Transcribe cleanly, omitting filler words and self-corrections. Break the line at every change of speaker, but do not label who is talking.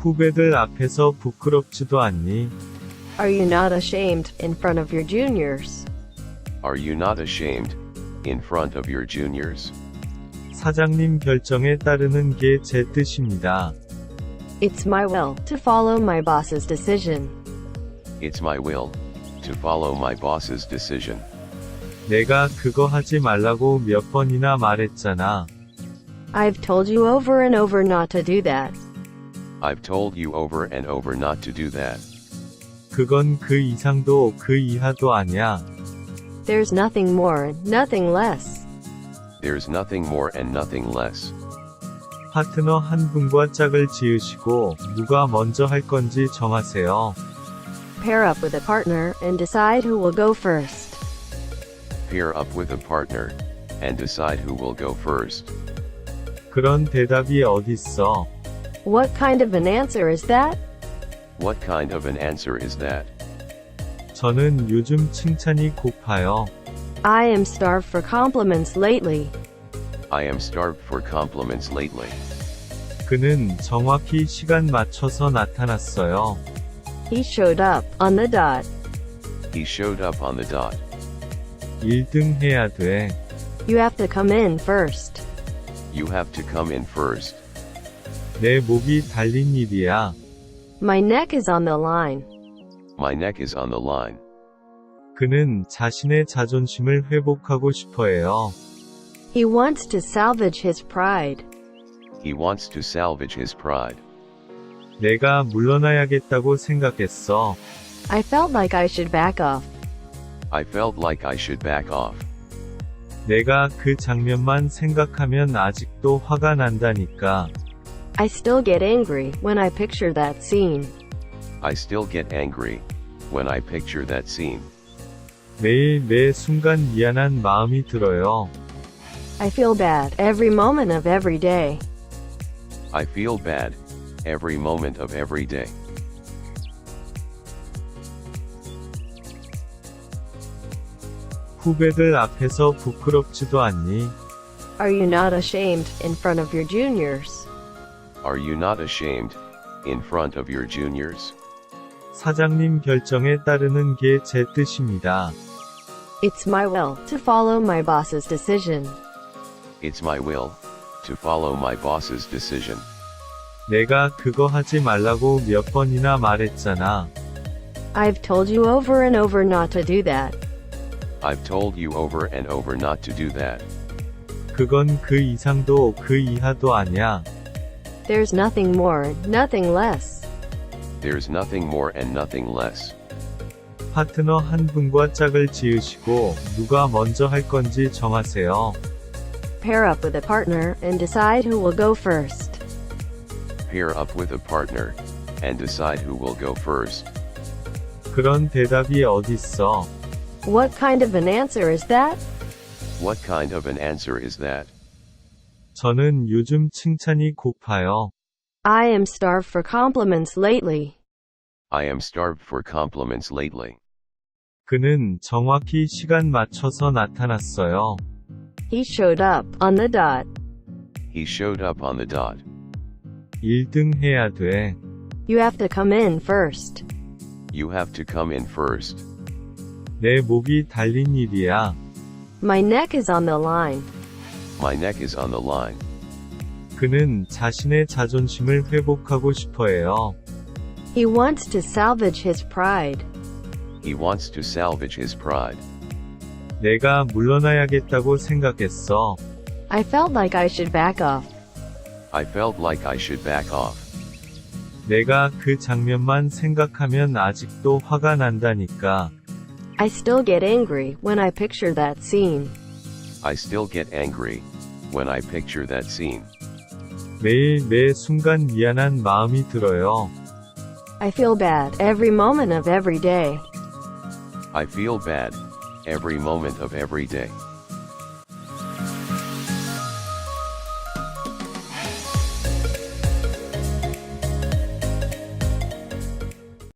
후배들 앞에서 부끄럽지도 않니?
Are you not ashamed in front of your juniors?
Are you not ashamed in front of your juniors?
사장님 결정에 따르는 게 제 뜻입니다.
It's my will to follow my boss's decision.
It's my will to follow my boss's decision.
내가 그거 하지 말라고 몇 번이나 말했잖아.
I've told you over and over not to do that.
I've told you over and over not to do that.
그건 그 이상도 그 이하도 아니야.
There's nothing more, nothing less.
There's nothing more and nothing less.
파트너 한 분과 짝을 지으시고 누가 먼저 할 건지 정하세요.
Pair up with a partner and decide who will go first.
Pair up with a partner and decide who will go first.
그런 대답이 어딨어?
What kind of an answer is that?
What kind of an answer is that?
저는 요즘 칭찬이 고파요.
I am starved for compliments lately.
I am starved for compliments lately.
그는 정확히 시간 맞춰서 나타났어요.
He showed up on the dot.
He showed up on the dot.
1등 해야 돼.
You have to come in first.
You have to come in first.
내 목이 달린 일이야.
My neck is on the line.
My neck is on the line.
그는 자신의 자존심을 회복하고 싶어해요.
He wants to salvage his pride.
He wants to salvage his pride.
내가 물러나야겠다고 생각했어.
I felt like I should back off.
I felt like I should back off.
내가 그 장면만 생각하면 아직도 화가 난다니까.
I still get angry when I picture that scene.
I still get angry when I picture that scene.
매일 매 순간 미안한 마음이 들어요.
I feel bad every moment of every day.
I feel bad every moment of every day.
후배들 앞에서 부끄럽지도 않니?
Are you not ashamed in front of your juniors?
Are you not ashamed in front of your juniors?
사장님 결정에 따르는 게 제 뜻입니다.
It's my will to follow my boss's decision.
It's my will to follow my boss's decision.
내가 그거 하지 말라고 몇 번이나 말했잖아.
I've told you over and over not to do that.
I've told you over and over not to do that.
그건 그 이상도 그 이하도 아니야.
There's nothing more, nothing less.
There's nothing more and nothing less.
파트너 한 분과 짝을 지으시고 누가 먼저 할 건지 정하세요.
Pair up with a partner and decide who will go first.
Pair up with a partner and decide who will go first.
그런 대답이 어딨어?
What kind of an answer is that?
What kind of an answer is that?
저는 요즘 칭찬이 고파요.
I am starved for compliments lately.
I am starved for compliments lately.
그는 정확히 시간 맞춰서 나타났어요.
He showed up on the dot.
He showed up on the dot.
1등 해야 돼.
You have to come in first.
You have to come in first.
내 목이 달린 일이야.
My neck is on the line.
My neck is on the line.
그는 자신의 자존심을 회복하고 싶어해요.
He wants to salvage his pride.
He wants to salvage his pride.
내가 물러나야겠다고 생각했어.
I felt like I should back off.
I felt like I should back off.
내가 그 장면만 생각하면 아직도 화가 난다니까.
I still get angry when I picture that scene.
I still get angry when I picture that scene.
매일 매 순간 미안한 마음이 들어요.
I feel bad every moment of every day.
I feel bad every moment of every day.